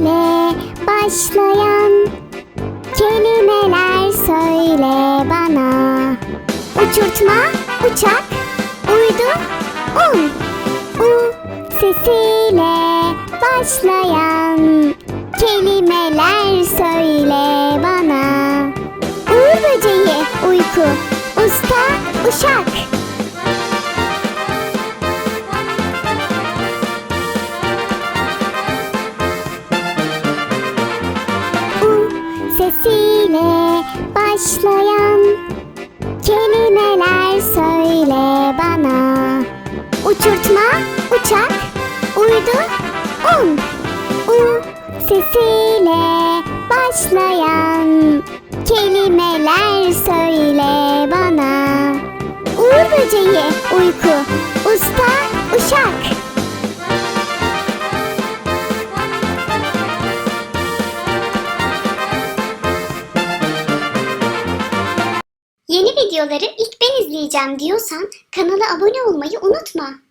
ile başlayan kelimeler söyle bana. Uçurtma, uçak, uydu, un. U sesiyle başlayan kelimeler söyle bana. Uğur böceği, uyku, usta, uşak. U sesiyle başlayan kelimeler söyle bana. Uçurtma, uçak, uydu, un. U sesiyle başlayan kelimeler söyle bana. Uğur böceği, uyku, usta, uşak. Yeni videoları ilk ben izleyeceğim diyorsan kanala abone olmayı unutma.